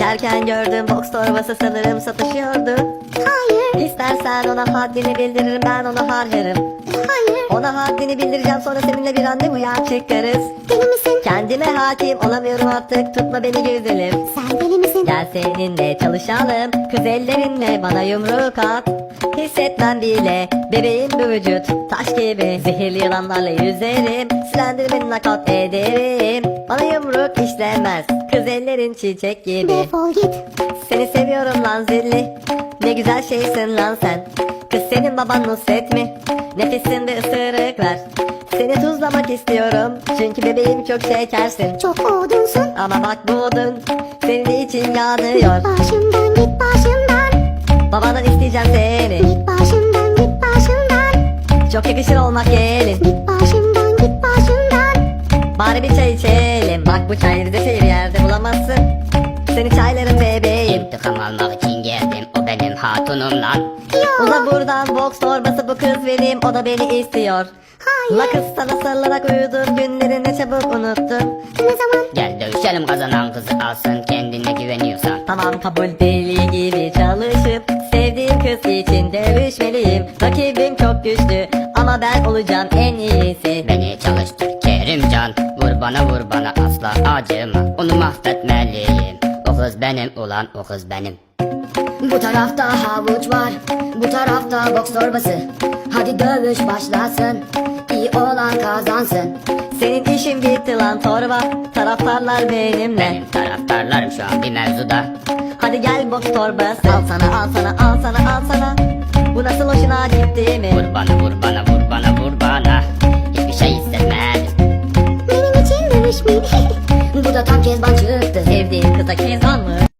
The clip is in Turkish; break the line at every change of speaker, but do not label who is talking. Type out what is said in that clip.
Derken gördüm box torbası sanırım satışıyordu.
Hayır,
İstersen ona haddini bildiririm, ben ona harcarım.
hayır.
Ona haddini bildireceğim, sonra seninle bir randevuya çıkarız.
Deli misin?
Kendime hakim olamıyorum artık, tutma beni güzelim.
Sen deli misin?
Gel seninle çalışalım, kız ellerinle bana yumruk at. Hissetmem bile bebeğim bu vücut taş gibi. Zehirli yılanlarla yüzerim, silendirmeni nakat ederim. Bana yumruk işlemez, kız ellerin çiçek gibi.
Defol git.
Seni seviyorum lan zilli, ne güzel şeysin lan sen. Kız senin baban Nusret mi? Nefissin bir ısırık ver. Seni tuzlamak istiyorum, çünkü bebeğim çok şekersin.
Çok odunsun.
Ama bak bu odun senin için yanıyor.
Başımdan git başımdan.
Babadan isteyeceğim seni,
Git başımdan git başımdan.
çok yakışır olmak gelin.
Git başımdan git başımdan.
Bari bir çay içelim, bak bu çayı Rize'de bir yerde bulamazsın. Seni çaylarım bebeğim.
İntikam almak için geldim, o benim hatunum lan.
Uza buradan, box torbası bu kız benim, o da beni istiyor.
Hayır.
La kız sana sarılarak uyudum, günleri ne çabuk unuttun.
Ne zaman?
Gel dövüşelim, kazanan kızı alsın, kendine güveniyorsan.
Tamam kabul, deli gibi çalışıp sevdiğim kız için dövüşmeliyim. Rakibim çok güçlü ama ben olacağım en iyisi.
Beni çalıştır Kerimcan, vur bana asla acıma. Onu mahvetmeliyim, o kız benim ulan, o kız benim. Bu tarafta havuç var, bu tarafta boks torbası. Hadi dövüş başlasın, iyi olan kazansın.
Senin işin bitti lan torba, taraftarlar benimle.
Benim taraftarlarım şu an bir mevzuda.
Hadi gel box torbası, al sana al sana al sana al sana. Bu nasıl hoşuna gitti mi?
Vur bana, hiçbir şey hissetmedim.
Benim için dövüşmeyin.
Bu da tam Kezban çıktı.
Sevdiğin kıza kezban mı?